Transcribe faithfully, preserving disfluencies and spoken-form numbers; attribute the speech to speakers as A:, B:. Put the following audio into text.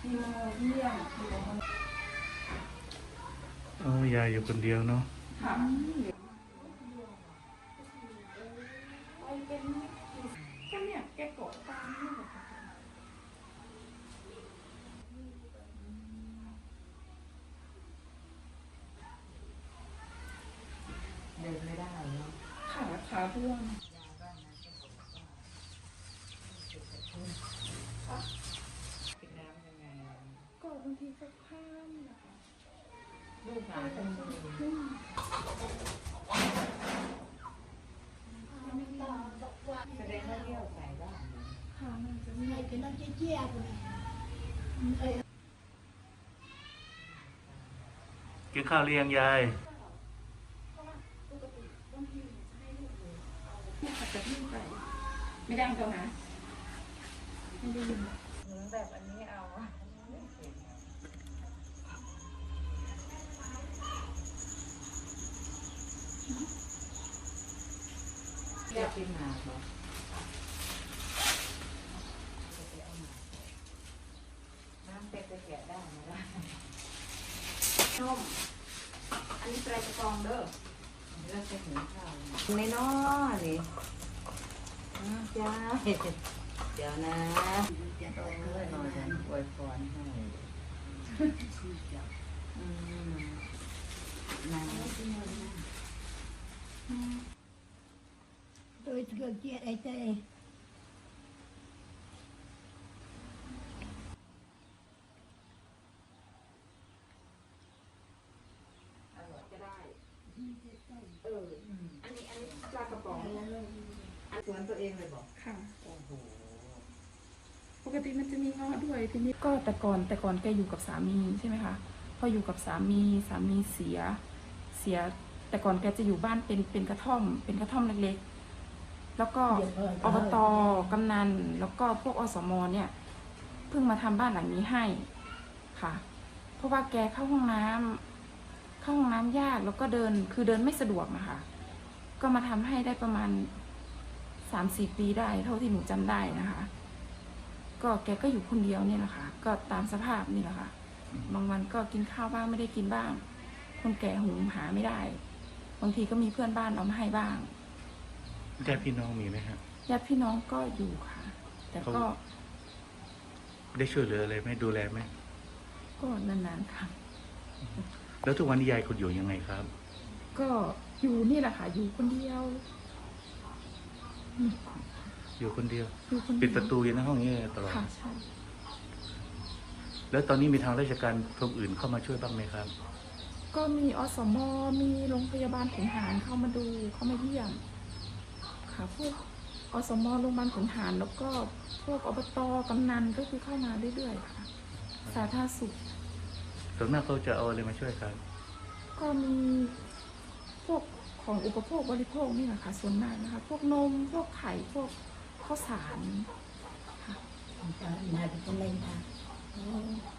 A: ที่มาเยี่ยม
B: โอ้ยายอยู่คนเดียวเนาะ
A: ค่ะก็เนี่ยแกกดตามนี่แหละค่ะ
C: เดินไม่ได้เนาะ
A: ขาขาบวม
C: กินน้ำยังไง
A: ก็บางทีก็ข้ามนะคะ
C: ลูกหลานเป็นมือแสดงว่าเลี้ยวใส่บ้าง
A: ค่ะมันจะมี
D: cái nó chia chia rồi
B: กินข้าวเรียงยาย
A: จะที่ไปไม่ดังตรงนะไม่ได้ยิน
C: เหมือนแบบอันนี้เอาเรียกกินหมากเหรอน้ำเป็ดจะแกะได้ไหมล่ะ
A: นมอันนี้ไตรกรองเด้อ
C: เลือกจะหิวข้าวในน้อนี่จ้าเดี๋ยวนะโอ้ยนอนฉันอวยพรให้อืมน้ำ
D: tôi chưa chia đây đây
C: เอออันนี้อันนี้ปลากระป๋องสวนตัวเองเลยบอก
A: ค่ะ
C: โอ้โห
A: ปกติมันจะมีเงาะด้วยทีนี้ก็แต่ก่อนแต่ก่อนแกอยู่กับสามีใช่ไหมคะพออยู่กับสามีสามีเสียเสียแต่ก่อนแกจะอยู่บ้านเป็นเป็นกระท่อมเป็นกระท่อมเล็กๆแล้วก็อบต.กำนันแล้วก็พวกอสม.เนี่ยเพิ่งมาทำบ้านหลังนี้ให้ค่ะเพราะว่าแกเข้าห้องน้ำเข้าห้องน้ำยากแล้วก็เดินคือเดินไม่สะดวกนะคะก็มาทำให้ได้ประมาณสามสี่ปีได้เท่าที่หนูจำได้นะคะก็แกก็อยู่คนเดียวเนี่ยแหละค่ะก็ตามสภาพนี่แหละค่ะบางวันก็กินข้าวบ้างไม่ได้กินบ้างคนแก่หุงหาไม่ได้บางทีก็มีเพื่อนบ้านเอามาให้บ้าง
B: ญาติพี่น้องมีไหมครับ
A: ญาติพี่น้องก็อยู่ค่ะแต่ก็
B: ได้ช่วยเหลืออะไรไหมดูแลไหม
A: ก็นานๆค่ะ
B: แล้วทุกวันนี้ยายคุณอยู่ยังไงครับ
A: ก็อยู่นี่แหละค่ะอยู่คนเดียว
B: อยู่คนเดียว
A: อยู่คนเดียว
B: ปิดประตูอยู่ในห้องนี้ตลอด
A: ค่ะใช่
B: แล้วตอนนี้มีทางราชการกรมอื่นเข้ามาช่วยบ้างไหมครับ
A: ก็มีอสม.มีโรงพยาบาลขุนหารเข้ามาดูเข้ามาเยี่ยมค่ะพวกอสม.โรงพยาบาลขุนหารแล้วก็พวกอบต.กำนันก็คือเข้ามาเรื่อยๆค่ะสาธารณสุข
B: ส่วนมากเขาจะเอาอะไรมาช่วยครับ
A: ก็มีพวกของอุปโภคบริโภคนี่แหละค่ะส่วนมากนะคะพวกนมพวกไข่พวกข้าวสารค่ะ
D: nhà thì con lên ta